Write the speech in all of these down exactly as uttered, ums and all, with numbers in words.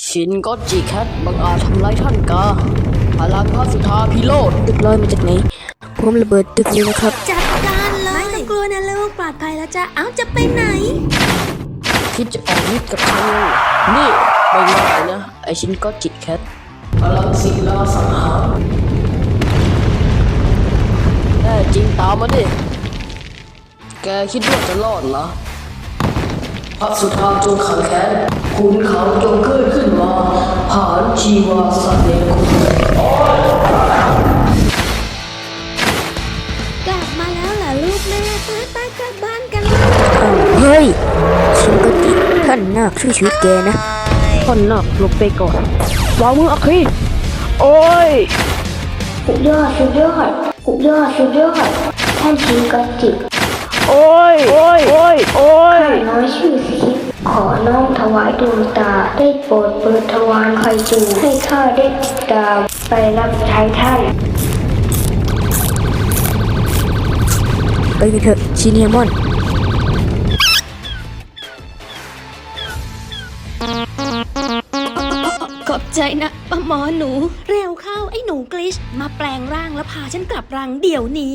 ชินก็จิแคทบังอาจทำร้ายท่านกาพลังพระสุธาพิโรธตึกลอยมาจากไหนผมระเบิดตึกนี้นะครับจัดการเลยไม่ต้องกลัวนะลูกปลอดภัยแล้วจ้ะเอ้าจะไปไหนคิดจะออกฤทธิ์กับฉันนี่ไม่ง่ายนะไอชินก็จิแคทพลังศิลาสังหารแน่จริงตามมาดิแกคิดว่าจะรอดเหรอพระสุธาจงขังแค้นคุณเขาจงเกิดขึ้นมาผ่านชีวาสัตว์เลวคุณกลับมาแล้วเหรอลูกแม่ไปไปกลับบ้านกันเฮ้ยชินก็จิท่านนาคช่วยชีวิตแกนะท่านนาคลบไปก่อนวางมืออัครีโอ้ยสุดยอดสุดยอดสุดยอดสุดยอดท่านชินก็จิโอ้ยโอ้ยโอ้ยโอ้ยข้าน้อยชื่อสิขอน้อมถวายดวงตาได้โปรดเปิดทวารไฟจูให้ข้าได้ตามไปรับใช้ท่านไปกันเถอะชินเฮมอนขอบใจนะป้าหมอหนูเร็วเข้าไอ้หนูกลิชมาแปลงร่างแล้วพาฉันกลับรังเดี๋ยวนี้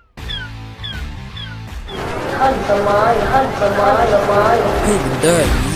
ท่านสมัยท่านสมัยสมัยให้มันได้